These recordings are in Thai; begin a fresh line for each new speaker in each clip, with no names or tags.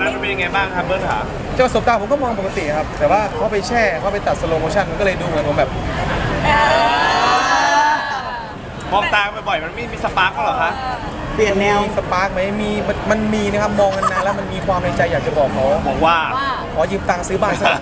นั้นมันเป็นยังไงบ้างครับเบิร์ดขา
เจ้าสบตาผมก็มองปกติครับแต่ว่าเขาไปแช่เขาไปตัดสโลโมชั่นมันก็เลยดูเหมือนผมแบบ
มองตาบ่อยๆมันไม่มีสปาร์กเหรอคะ
เปลี่ยนแนว
มีสปาร์กไหมมีมันมีนะครับมองนานๆแล้วมันมีความในใจอยากจะบอกเขา
บอกว่า
ขอยืมตังค์ซื้อบ้านสัก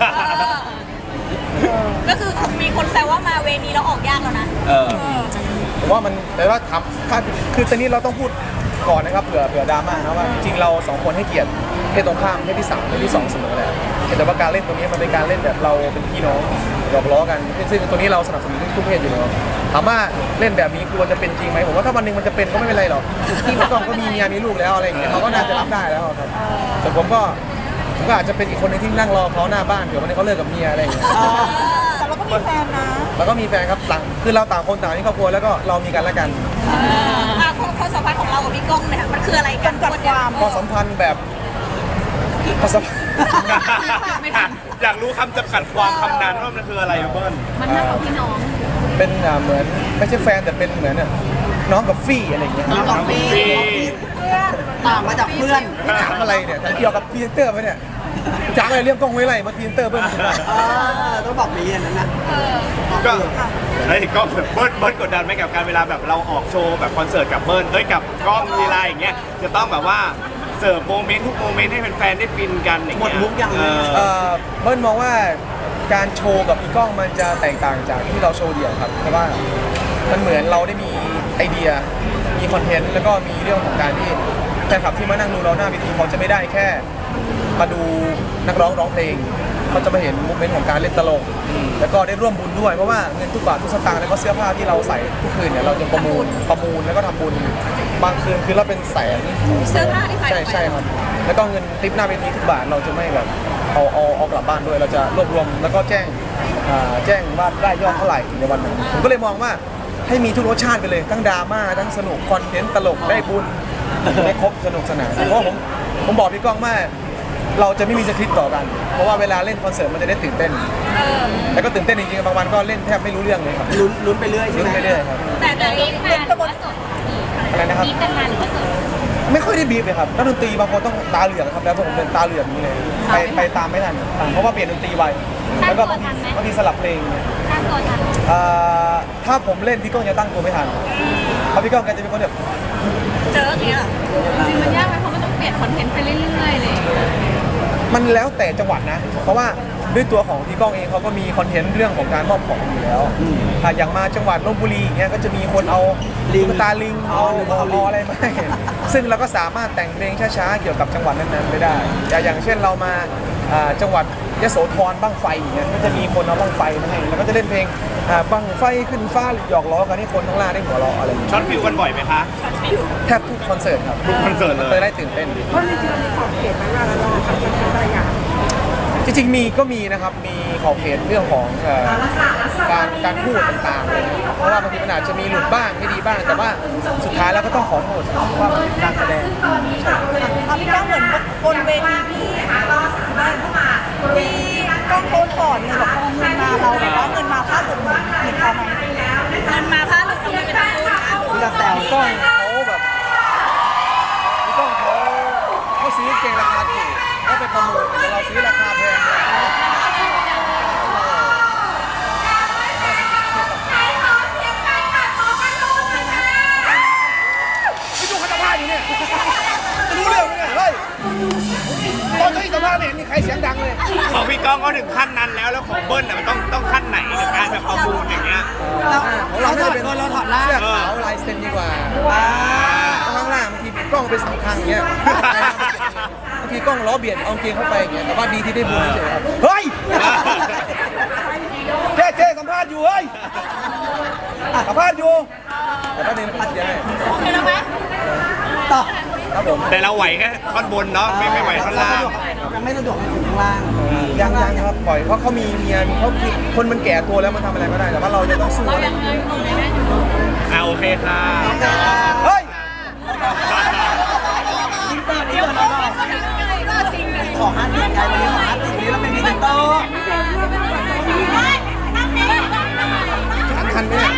ก็คือมีคนแซวว่ามาเวนี้เราออกยากแล้วนะ
ผมว่ามันแต่ว่าคือตอนนี้เราต้องพูดก่อนนะครับเผื่อดราม่านะว่าจริงๆเราสองคนให้เกียรติเพศตรงข้ามเพศที่3เพศที่2เสมอแหละแต่ว่าการเล่นตรงนี้มันเป็นการเล่นแบบเราเป็นพี่น้องหยอกล้อกันซึ่งตัวนี้เราสนับสนุนทุกเพศอยู่แล้วถามว่าเล่นแบบนี้กลัวจะเป็นจริงไหมผมว่าถ้าวันหนึ่งมันจะเป็นก็ไม่เป็นไรหรอกพี่เขาก็มีเมียมีลูกแล้วอะไรอย่างเงี้ยเขาก็น่าจะรับได้แล้วครับแต่ผมก็อาจจะเป็นอีกคนนึงที่นั่งรอเขาหน้าบ้านเดี๋ยววันนี้เขาเลิกกับเมียอะไรอย่างเงี้ย
แต่เราก็มีแฟนนะ
แล้วก็มีแฟนครับคือเราต่างคนต่างมีครอบครัวแล้วก็เรามีกันและกัน
ความสัมพันธ์ของเรากับพี่ก้องเนี่ยมันคืออะไรกันก่อนความ
ความสัมพันธ์แบบความสัมพันธ์
อยากรู้คำจำกัดความคำนั้นว่ามันคืออะไรเบิร์ด
มันมากกว่าพี่น้อง
เป็นเหมือนไม่ใช่แฟนแต่เป็นเหมือนน้องกับฟี่อะไรอย่างเงี้ย
น้องกับฟี่ต่างมาจากเพื่อน
ถามอะไรเนี่ยเกี่ยวกับพรีเซนเตอร์ไหมเนี่ยจ้างอะไรเรื่องกล้องไว้ไรมาพรีเซนเตอร์เบิ้ลถึงได้
ต้องบอกมีอันนั้นนะ
ก็เฮ้ยก็เบิร์ดกดดันไหมกับการเวลาแบบเราออกโชว์แบบคอนเสิร์ตกับเบิร์ดกับกล้องทีไรอย่างเงี้ยจะต้องแบบว่าเสิร์ฟโมเมนต์ทุกโมเมนต์ให้แฟนๆได้ฟินกันอย่าง
หมด
เงี้ย
มุกยัง
เบิ้ลมองว่าการโชว์กับอีกล้องมันจะแตกต่างจากที่เราโชว์เดี่ยวครับเพราะว่ามันเหมือนเราได้มีไอเดียมีคอนเทนต์แล้วก็มีเรื่องของการที่แฟนคลับที่มานั่งดูเราหน้าเวทีเขาจะไม่ได้แค่มาดูนักร้องเพลงเขาจะมาเห็นโมเมนต์ของการเล่นตลกแล้วก็ได้ร่วมบุญด้วยเพราะว่าเงินทุกบาททุกสตางค์แล้วก็เสื้อผ้าที่เราใส่ทุกคืนเนี่ยเราจะประมูลแล้วก็ทำบุญบางคืนคือเราเป็นแสน
เสื้อผ้าที่ใส่
ใช่ครับแล้วก็เงินทิปหน้าเวทีทุกบาทเราจะไม่แบบเอากลับบ้านด้วยเราจะรวบรวมแล้วก็แจ้งว่าได้ยอดเท่าไหร่ในวันนั้นผมก็เลยมองว่าให้มีทุกรสชาติไปเลยทั้งดราม่าทั้งสนุกคอนเทนต์ตลกได้บุญได้ครบสนุกสนานเพราะผมบอกพี่ก้องว่าเราจะไม่มีสคริปต์ต่อกันเพราะว่าเวลาเล่นคอนเสิร์ตมันจะได้ตื่นเต้นแล้วก็ตื่นเต้นจริงๆบางวันก็เล่นแทบไม่รู้เรื่องเลยครับ
ลุ้นไปเรื่อยใช่
ลุ้น
ไหม
ไปเรื่อยครับ
แต่นี้เป็นกระบวนการ
อะไรนะครับ
มีกันมาหรือว่าสด
ไม่ค่อยได้บีบเลยครับนักดนตรีบางคนต้องตาเหลือกครับแล้วผมเป็นตาเหลือกนี้เลยไปตามไม่ทันเพราะว่าเปลี่ยนดนตรีไวแล้วก็บางทีสลับเพลง
ตั้งตัวทัน
ถ้าผมเล่นพี่ก้องจะตั้งตัวไม่ทันเพราะพี่ก้องแกจะเป็นคนแบบ
เจออย่างเงี้ยจริงมันยากไหมเพราะมันต้องเปลี่ยนคอนเทนต์ไปเรื่อยๆเลย
มันแล้วแต่จังหวัดนะเพราะว่าด้วยตัวของพี่ก้องเองเขาก็มีคอนเทนต์เรื่องของการมอบของอยู่แล้วอย่างมาจังหวัดลบบุรีอย่างเงี้ยก็จะมีคนเอาตุ๊กตาลิงเอาอะไรมาให้ซึ่งเราก็สามารถแต่งเพลงช้าๆเกี่ยวกับจังหวัดนั้นๆไปได้อย่างเช่นเรามาจังหวัดยโสธรบั้งไฟอย่างเงี้ยก็จะมีคนเอาบั้งไฟมาให้แล้วก็จะเล่นเพลงบั้งไฟขึ้นฟ้าหยอกล้อกันให้คนข้างล่างได้หัวเราะอะไรอย่างเงี้ย
ช็อตฟิลกันบ่อยไหมคะ
แทบทุกคอนเสิร์ตครับ
ทุกคอนเสิร์ตเลย
เคยได้ตื่นเต้นเพราะจริงๆมีขอบเขตไหมว่าเราทำเป็นอะไรอย่างจริงๆก็มีนะครับมีขอบเขตเรื่องของการพูดต่างๆเลยเพราะว่าบางทีมันอาจจะมีหลุดบ้างไม่ดีบ้างแต่ว่าสุดท้ายแล้วก็ต้องขอโทษเพราะว่าการแสดง
พี่ก้องเหมือนบนเวทีพี่ก้องโพสก่อนเนี่ยบอกเงินมาเราแบบว่าเงินมาค่าตัวเหมือนเขาไหมเงินมาค่าตัวไม่เป็นไร
พี่จะแซว
พี่ก้องเขาแบบพี่ก้องเขาซื้อเกงราคาถูกแล้วไปประมูลแต่เราซื้อราคาแพงไม่ดูคณะภาพอยู่เนี่ยรู้เรื่องไหมเนี่ยเฮ้ยตอนที่สัมภาษณ์ไม่เห็นมีใครเสียงดังเลย
ของพี่ก้องก็ถึงขั้นนั้นแล้วของเบิ้ลน่ะมันต้องขั้นไหนกับการแบบประมูลอย่างเงี้ย
เราถอดเราถอดล่าง
เสื้อขาวลายเซ็นดีกว่าข้างล่างบางทีกล้องเป็นสำคัญอย่างเงี้ยบางทีกล้องล้อเบียดเอาเกงเข้าไปอย่างเงี้ยแต่ว่าดีที่ได้บุญเฉยครับเฮ้ยเจ๊สัมภาษณ์อยู่เฮ้ยสัมภาษณ์อยู่แต่ก็เน้นพัดยังไง
โอเคแล้วไหม
ต่อ
ครับผม
แต่เราไหวแค่ท่อนบนเนาะไม่ไหวท่อนล่าง
ยังไม่สะดวกให้ถึงข้างล่าง
ยังครับปล่อยเพราะเขามีเมียมีเขาคือคนมันแก่ตัวแล้วมันทำอะไรไม่ได้แต่ว่าเราจะต้องสู้
เรายังไงตรงไหนได้อยู่
โอเคค่ะ
เฮ้ย
อินเตอร์นี้
เดี๋ยว
ก่อน
เรา
เรา
ก็จริงเลย
ขอ50ไงวันนี้ขอ50วันนี้เราเป็นพรีเซนเตอร์
ทันไหมเนี่ย